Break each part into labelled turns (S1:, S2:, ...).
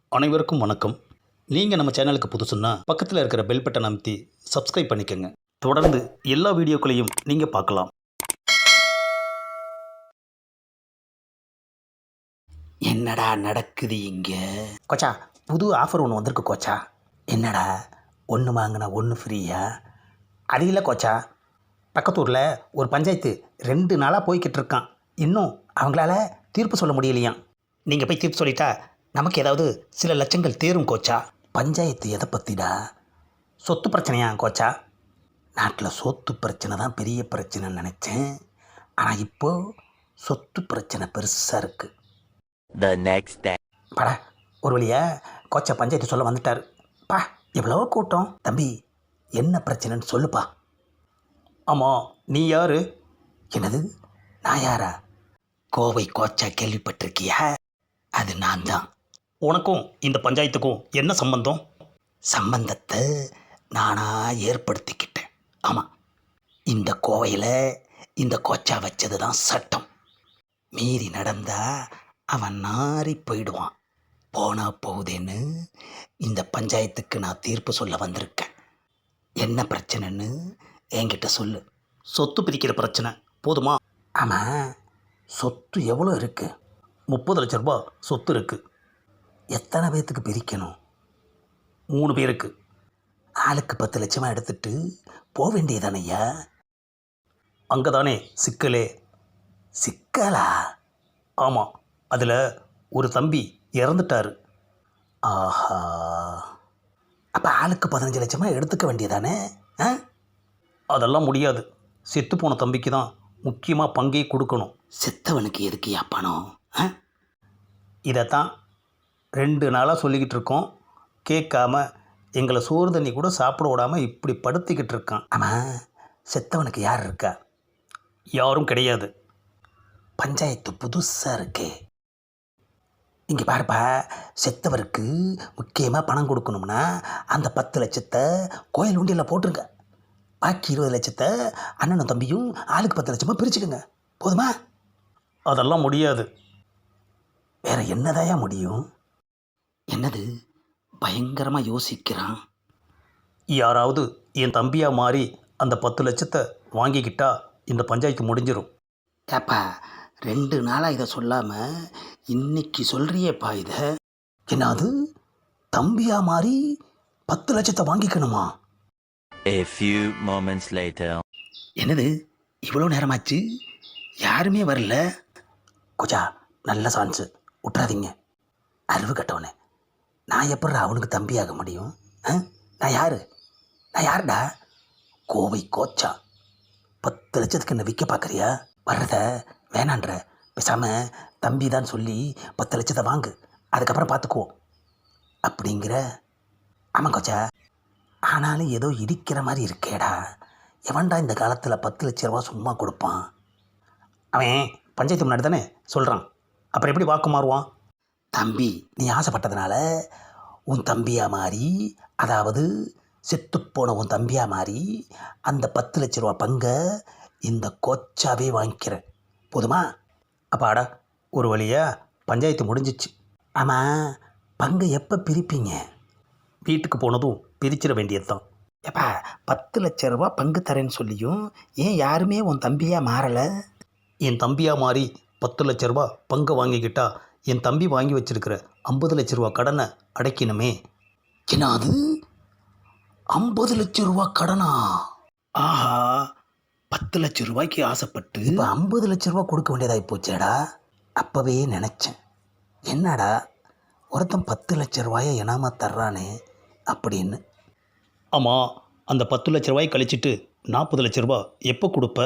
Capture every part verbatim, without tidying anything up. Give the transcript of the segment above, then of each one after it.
S1: அனைவருக்கும் வணக்கம். நீங்கள் நம்ம சேனலுக்கு புதுசுன்னா பக்கத்தில் இருக்கிற பெல் பட்டன் அமைத்தி சப்ஸ்கிரைப் பண்ணிக்கோங்க. தொடர்ந்து எல்லா வீடியோக்களையும் நீங்கள் பார்க்கலாம்.
S2: என்னடா நடக்குது இங்கே? கோச்சா, புது ஆஃபர் ஒன்று வந்திருக்கு கோச்சா. என்னடா, ஒன்று வாங்கினா ஒன்று ஃப்ரீயா? அது இல்லை கோச்சா, பக்கத்தூரில் ஒரு பஞ்சாயத்து ரெண்டு நாளாக போய்கிட்டு இருக்கான். இன்னும் அவங்களால தீர்ப்பு சொல்ல முடியலையாம். நீங்கள் போய் தீர்ப்பு சொல்லிட்டா நமக்கு ஏதாவது சில லட்சங்கள் தேரும் கோச்சா. பஞ்சாயத்து எதை பற்றிடா? சொத்து பிரச்சனையா கோச்சா? நாட்டில் சொத்து பிரச்சனை தான் பெரிய பிரச்சனைன்னு நினச்சேன். ஆனால் இப்போது சொத்து பிரச்சனை பெருசாக இருக்குது.
S3: The next day.
S2: படா, ஒரு வழியா கோச்சா பஞ்சாயத்து சொல்ல வந்துட்டார். பா, எவ்வளோ கூட்டம். தம்பி, என்ன பிரச்சனைன்னு சொல்லுப்பா.
S1: ஆமாம், நீ யார்?
S2: என்னது, நான் யாரா? கோவை கோச்சா கேள்விப்பட்டிருக்கியா? அது நான் தான்.
S1: உனக்கும் இந்த பஞ்சாயத்துக்கும் என்ன சம்பந்தம்?
S2: சம்பந்தத்தை நானாக ஏற்படுத்திக்கிட்டேன். ஆமாம், இந்த கோவையில் இந்த கோச்சா வச்சது தான் சட்டம். மீறி நடந்தா அவன் நாறி போயிடுவான். போனா போகுதேன்னு இந்த பஞ்சாயத்துக்கு நான் தீர்ப்பு சொல்ல வந்திருக்கேன். என்ன பிரச்சனைன்னு என்கிட்ட சொல்லு.
S1: சொத்து பிரிக்கிற பிரச்சனை போதுமா?
S2: ஆமாம், சொத்து எவ்வளோ இருக்குது?
S1: முப்பது லட்ச ரூபா சொத்து இருக்குது.
S2: எத்தனை பேர்த்துக்கு பிரிக்கணும்?
S1: மூணு பேருக்கு.
S2: ஆளுக்கு பத்து லட்சமாக எடுத்துட்டு போக வேண்டியதானையா?
S1: அங்கே தானே சிக்கலே.
S2: சிக்கலா?
S1: ஆமாம், அதில் ஒரு தம்பி இறந்துட்டார்.
S2: ஆஹா, அப்போ ஆளுக்கு பதினஞ்சு லட்சமாக எடுத்துக்க வேண்டியதானே? ஆ,
S1: அதெல்லாம் முடியாது. செத்து போன தம்பிக்கு தான் முக்கியமாக பங்கே கொடுக்கணும்.
S2: செத்தவனுக்கு எதுக்குயா பணம்? ஆ,
S1: இதைத்தான் ரெண்டு நாளாக சொல்லிக்கிட்டு இருக்கோம். கேட்காம எங்களை சோறு தண்ணி கூட சாப்பிட விடாமல் இப்படி படுத்திக்கிட்டு இருக்கான்.
S2: ஆமாம், செத்தவனுக்கு யார் இருக்கா?
S1: யாரும் கிடையாது.
S2: பஞ்சாயத்து புதுசாக இருக்கே. இங்கே பாருப்பா, செத்தவருக்கு முக்கியமாக பணம் கொடுக்கணும்னா அந்த பத்து லட்சத்தை கோயில் உண்டியில் போட்டுருங்க. பாக்கி இருபது லட்சத்தை அண்ணனும் தம்பியும் ஆளுக்கு பத்து லட்சமாக பிரிச்சுக்கோங்க. போதுமா?
S1: அதெல்லாம் முடியாது.
S2: வேற என்னதாயா முடியும்? என்னது, பயங்கரமாக யோசிக்கிறான்.
S1: யாராவது என் தம்பியாக மாறி அந்த பத்து லட்சத்தை வாங்கிக்கிட்டா இந்த பஞ்சாயத்து முடிஞ்சிடும்.
S2: ஏப்பா, ரெண்டு நாளாக இதை சொல்லாமல் இன்னைக்கு சொல்கிறியேப்பா இதை. என்னது, தம்பியா மாறி பத்து லட்சத்தை வாங்கிக்கணுமா?
S3: A few moments later.
S2: என்னது, இவ்வளோ நேரமாச்சு, யாருமே வரல. கொச்சா, நல்ல சான்ஸு, விட்றாதீங்க. அறிவு கட்டவனே, நான் எப்படி அவனுக்கு தம்பியாக முடியும்? ஆ, நான் யார்? நான் யாருடா? கோவை கோச்சா. பத்து லட்சத்துக்கு என்ன விற்க பார்க்குறியா? வர்றத வேணான்ற, பேசாமல் தம்பி தான் சொல்லி பத்து லட்சத்தை வாங்கு, அதுக்கப்புறம் பார்த்துக்குவோம் அப்படிங்கிற. ஆமாம் கோச்சா, ஆனாலும் ஏதோ இடிக்கிற மாதிரி இருக்கேடா. எவன்டா இந்த காலத்தில் பத்து லட்ச ரூபா சும்மா கொடுப்பான்?
S1: அவன் பஞ்சாயத்து முன்னாடி தானே சொல்கிறான், அப்புறம் எப்படி வாக்கு மாறுவான்?
S2: தம்பி, நீ ஆசைப்பட்டதுனால உன் தம்பியாக மாறி, அதாவது செத்துப்போன உன் தம்பியாக மாறி அந்த பத்து லட்ச ரூபா பங்கை இந்த கோச்சாவே வாங்கிக்கிறேன். போதுமா?
S1: அப்பாடா, ஒரு வழியாக பஞ்சாயத்து முடிஞ்சிச்சு.
S2: ஆமாம், பங்கை எப்போ பிரிப்பீங்க?
S1: வீட்டுக்கு போனதும் பிரிச்சிட வேண்டியது தான்.
S2: எப்பா, பத்து லட்ச ரூபா பங்கு தரேன்னு சொல்லியும் ஏன் யாருமே உன் தம்பியாக மாறலை?
S1: என் தம்பியாக மாறி பத்து லட்ச ரூபா பங்கை வாங்கிக்கிட்டா என் தம்பி வாங்கி வச்சிருக்கிற ஐம்பது லட்ச ரூபா கடனை அடைக்கணுமே.
S2: என்ன அது, ஐம்பது லட்ச ரூபா கடனா? ஆஹா, பத்து லட்ச ரூபாய்க்கு ஆசைப்பட்டு இப்போ ஐம்பது லட்ச ரூபா கொடுக்க வேண்டியதாகி போச்சேடா. அப்போவே நினச்சேன், என்னடா ஒருத்தன் பத்து லட்ச ரூபாயை இனாமா தர்றானே அப்படின்னு.
S1: ஆமாம், அந்த பத்து லட்ச ரூபாய் கழிச்சிட்டு நாற்பது லட்ச ரூபா எப்போ கொடுப்ப?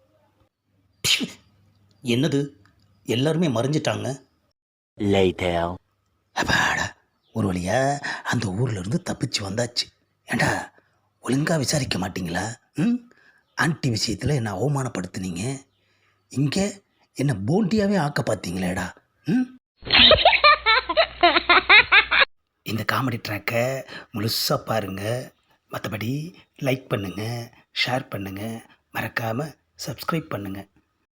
S1: என்னது, எல்லாருமே மறைஞ்சிட்டாங்க.
S3: Later.
S2: அப்பாடா, ஒரு வழியா அந்த ஊர்லேருந்து தப்பிச்சு வந்தாச்சு. ஏண்டா, ஒழுங்காக விசாரிக்க மாட்டிங்களா? ம், ஆண்டி விஷயத்தில் என்னை அவமானப்படுத்துனீங்க, இங்கே என்னை போண்டியாகவே ஆக்க பார்த்தீங்களேடா. ம், இந்த காமெடி ட்ராக்கை முழுசாக பாருங்கள். மற்றபடி லைக் பண்ணுங்கள், ஷேர் பண்ணுங்கள், மறக்காமல் சப்ஸ்கிரைப் பண்ணுங்கள்.